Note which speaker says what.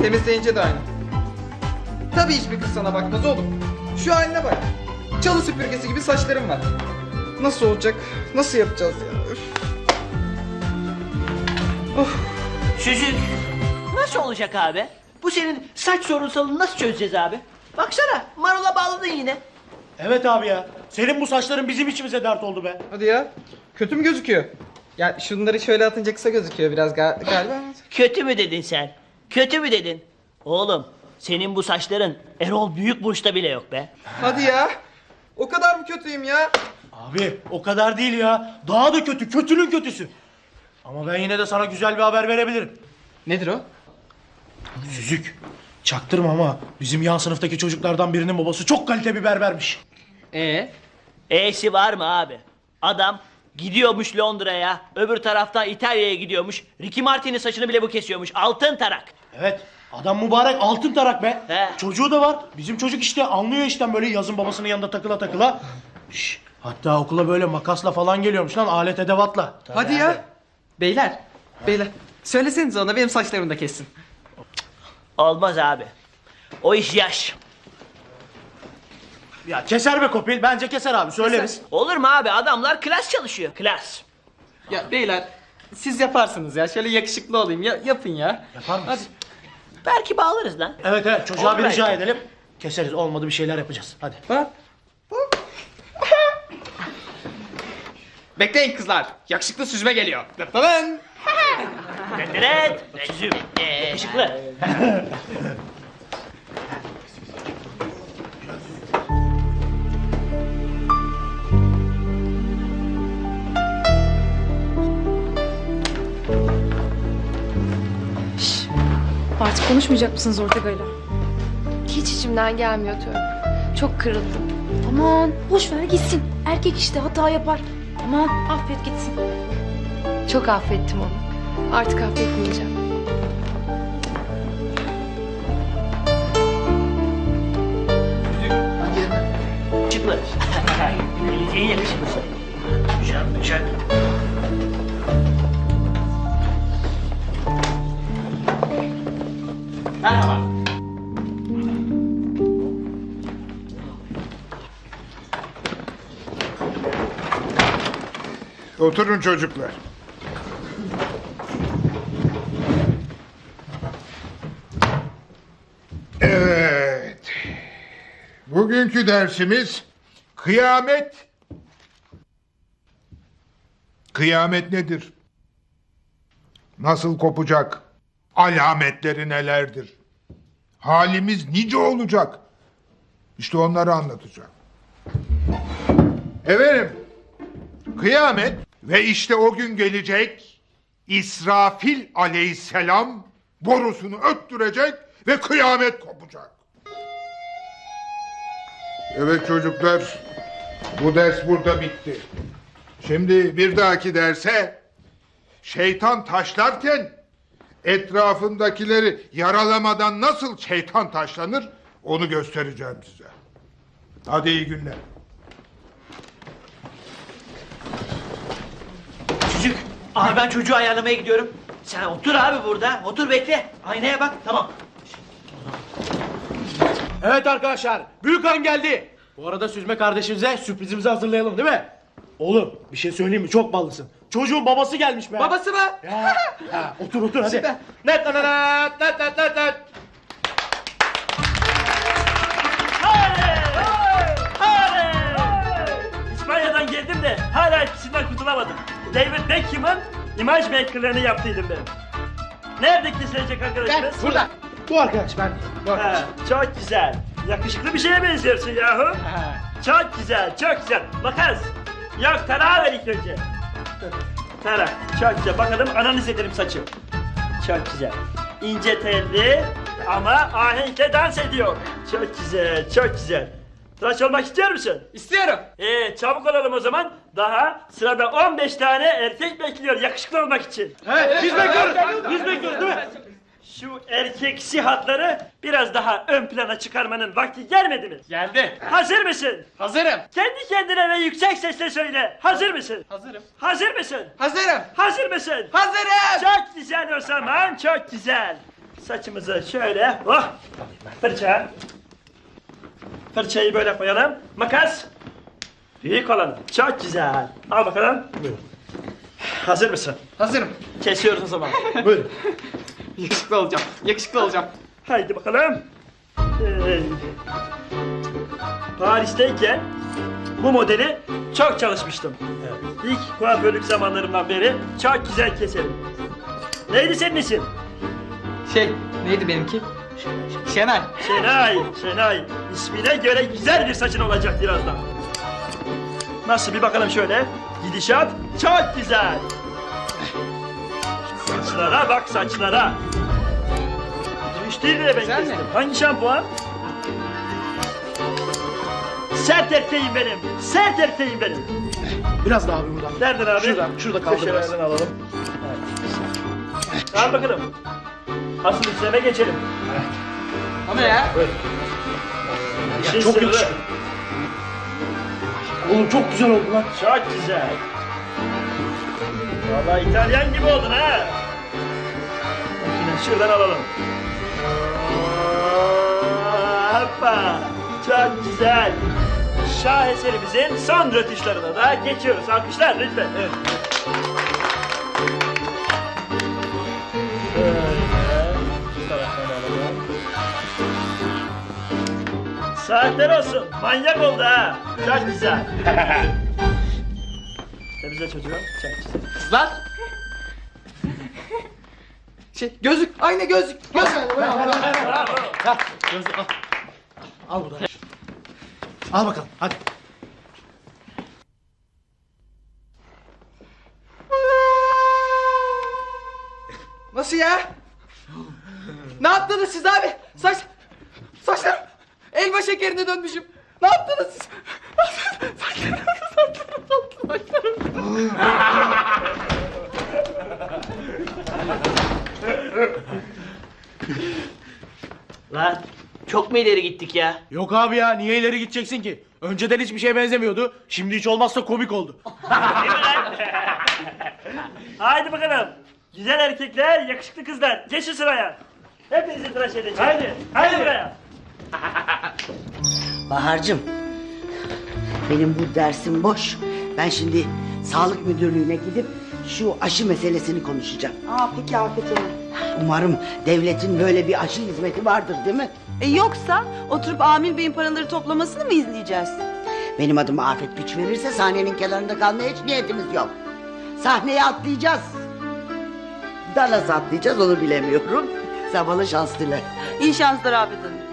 Speaker 1: Temizleyince de aynı. Tabii hiçbir kız sana bakmaz oğlum. Şu haline bak. Çalı süpürgesi gibi saçlarım var. Nasıl olacak? Nasıl yapacağız ya? Üf. Of.
Speaker 2: Çocuk nasıl olacak abi? Bu senin saç sorunsalını nasıl çözeceğiz abi? Baksana marola bağladın yine.
Speaker 3: Evet abi ya. Senin bu saçların bizim içimize dert oldu be.
Speaker 1: Hadi ya. Kötü mü gözüküyor? Ya şunları şöyle atınca kısa gözüküyor biraz galiba.
Speaker 2: Kötü mü dedin sen? Kötü mü dedin? Oğlum senin bu saçların Erol Büyükburç'ta bile yok be.
Speaker 1: Hadi ya. O kadar mı kötüyüm ya?
Speaker 3: Abi o kadar değil ya. Daha da kötü. Kötünün kötüsü. Ama ben yine de sana güzel bir haber verebilirim.
Speaker 1: Nedir o?
Speaker 3: Süzük. Çaktırma ama bizim yan sınıftaki çocuklardan birinin babası çok kalite bir berbermiş.
Speaker 2: E'si var mı abi? Adam gidiyormuş Londra'ya, öbür taraftan İtalya'ya gidiyormuş. Ricky Martin'in saçını bile bu kesiyormuş. Altın tarak.
Speaker 3: Evet. Adam mübarek altın tarak be.
Speaker 2: He.
Speaker 3: Çocuğu da var. Bizim çocuk işte anlıyor işten böyle yazın babasının yanında takıla takıla. Şş, hatta okula böyle makasla falan geliyormuş lan alet edevatla.
Speaker 1: Hadi ya. Beyler. Söylesenize ona benim saçlarımı da kessin.
Speaker 2: Olmaz abi. O iş yaş.
Speaker 3: Ya keser be Kopil. Bence keser abi söyleriz.
Speaker 2: Olur mu abi? Adamlar klas çalışıyor. Klas.
Speaker 1: Ya beyler siz yaparsınız ya. Şöyle yakışıklı olayım. Yapın ya.
Speaker 3: Yapar mısın?
Speaker 2: Belki bağlarız lan.
Speaker 3: Evet evet çocuğa bir
Speaker 2: Olur
Speaker 3: rica
Speaker 2: belki.
Speaker 3: edelim. Keseriz olmadı bir şeyler yapacağız. Hadi.
Speaker 1: Bak. Bekleyin kızlar. Yakışıklı süzme geliyor. Lan.
Speaker 2: Evet. Çözüm. Işıklı.
Speaker 4: Artık konuşmayacak mısınız Ortega'yla?
Speaker 5: Hiç içimden gelmiyor Tövbe. Çok kırıldım.
Speaker 4: Aman boş ver gitsin. Erkek işte hata yapar. Aman affet gitsin.
Speaker 5: Çok affettim onu. Artık affetmeyeceğim.
Speaker 2: Işıklı. En yakışıklısı. Güzel, güzel. Merhaba.
Speaker 6: Oturun çocuklar. Evet. Bugünkü dersimiz kıyamet. Kıyamet nedir? Nasıl kopacak? Alametleri nelerdir? Halimiz nice olacak? İşte onları anlatacağım. Efendim, kıyamet ve işte o gün gelecek İsrafil aleyhisselam borusunu öttürecek ve kıyamet kopacak. Evet çocuklar, bu ders burada bitti. Şimdi bir dahaki derse şeytan taşlarken etrafındakileri yaralamadan nasıl şeytan taşlanır onu göstereceğim size. Hadi iyi günler.
Speaker 2: Çocuk. Abi ben çocuğu ayarlamaya gidiyorum. Sen otur abi burada. Otur bekle. Aynaya bak. Tamam.
Speaker 3: Evet arkadaşlar Büyükan geldi. Bu arada Süzme kardeşimize sürprizimizi hazırlayalım değil mi? Oğlum bir şey söyleyeyim mi çok ballısın. Çocuğun babası gelmiş be.
Speaker 1: Babası mı?
Speaker 3: Ya, ya, otur hadi.
Speaker 1: Süper.
Speaker 3: Net net net net net net.
Speaker 7: İspanya'dan geldim de hala etkisinden kurtulamadım. David Beckham'ın imaj makerlarını yaptıydım ben. Nerede kesilecek arkadaşımız?
Speaker 1: Burada.
Speaker 3: Bu arkadaş ben.
Speaker 7: Ha, çok güzel. Yakışıklı bir şeye benziyorsun yahu. Çok güzel, çok güzel. Makas. Yok, tarağı ver ilk önce. Tarak, çok güzel. Bakalım analiz edelim saçı. Çok güzel. İnce telli ama ahenkle dans ediyor. Çok güzel, çok güzel. Tıraş olmak istiyor musun?
Speaker 1: İstiyorum.
Speaker 7: Çabuk olalım o zaman. Daha sırada 15 tane erkek bekliyor yakışıklı olmak için.
Speaker 3: Evet biz bekliyoruz. Biz bekliyoruz değil mi?
Speaker 7: Şu erkeksi hatları biraz daha ön plana çıkarmanın vakti gelmedi mi?
Speaker 1: Geldi.
Speaker 7: Hazır mısın?
Speaker 1: Hazırım.
Speaker 7: Kendi kendine ve yüksek sesle söyle. Hazır mısın?
Speaker 1: Hazırım.
Speaker 7: Hazır mısın?
Speaker 1: Hazırım.
Speaker 7: Hazır mısın?
Speaker 1: Hazırım.
Speaker 7: Çok güzel o zaman, çok güzel. Saçımızı şöyle, oh! Fırça. Fırçayı böyle koyalım. Makas. Büyük olanı. Çok güzel. Al bakalım.
Speaker 3: Buyurun.
Speaker 7: Hazır mısın?
Speaker 1: Hazırım.
Speaker 7: Kesiyoruz o zaman.
Speaker 3: Buyurun.
Speaker 1: Yakışıklı olacağım. Yakışıklı olacağım.
Speaker 7: Haydi bakalım. Paris'teyken bu modeli çok çalışmıştım. İlk kuaförlük zamanlarımdan beri çok güzel keserim. Neydi senin isim?
Speaker 1: Neydi benimki? Şenay.
Speaker 7: Şenay. İsmine göre güzel bir saçın olacak birazdan. Nasıl bir bakalım şöyle. Gidişat çok güzel. Saçlara bak saçlara. Müşteriyle ben
Speaker 1: Güzel mi?
Speaker 7: kestim. Hangi şampuan? Sert erkeğim benim. Sert erkeğim benim.
Speaker 3: Biraz daha abi buradan.
Speaker 7: Nereden abi?
Speaker 3: Şurada kaldı biraz.
Speaker 7: Köşelerden alalım. Evet. Al bakalım. Asıl işleme geçelim.
Speaker 1: Ama ya.
Speaker 7: İşin
Speaker 3: Çok
Speaker 7: sırrı.
Speaker 3: yakışıklı. Oğlum çok güzel oldu lan.
Speaker 7: Çok güzel. Vallahi İtalyan gibi oldun ha. Bakın şuradan alalım. Hoppa. Çok güzel. Şaheserimizin son rötuşlarına da geçiyoruz. Alkışlar lütfen. Evet. Şu taraftan alalım. Saatler olsun. Manyak oldu ha. Çok güzel. Temizle çocuğum. Çok güzel.
Speaker 1: Kızlar. Gözlük. Ayna gözlük. Gözlük.
Speaker 3: Gözü al. Al buradan. Al bakalım hadi.
Speaker 1: Nasıl ya? Ne yaptınız siz abi? Saçlarım elma şekerine dönmüşüm. Ne yaptınız siz?
Speaker 2: Lan çok mu ileri gittik ya?
Speaker 3: Yok abi ya niye ileri gideceksin ki? Önceden hiçbir şeye benzemiyordu. Şimdi hiç olmazsa komik oldu.
Speaker 7: Değil mi lan? Haydi bakalım. Güzel erkekler, yakışıklı kızlar. Geçin sıraya. Hepinizi tıraş edeceğim. Haydi buraya.
Speaker 8: Bahar'cığım, benim bu dersim boş. Ben şimdi sağlık müdürlüğüne gidip şu aşı meselesini konuşacağım.
Speaker 9: Peki Afet Hanım.
Speaker 8: Umarım devletin böyle bir aşı hizmeti vardır değil mi?
Speaker 9: Yoksa oturup Amil Bey'in paraları toplamasını mı izleyeceğiz?
Speaker 8: Benim adım Afet güç verirse sahnenin kenarında kalmaya hiç niyetimiz yok. Sahneye atlayacağız. Da nasıl atlayacağız onu bilemiyorum. Sen bana şans dile.
Speaker 9: İyi şanslar Afet Hanım.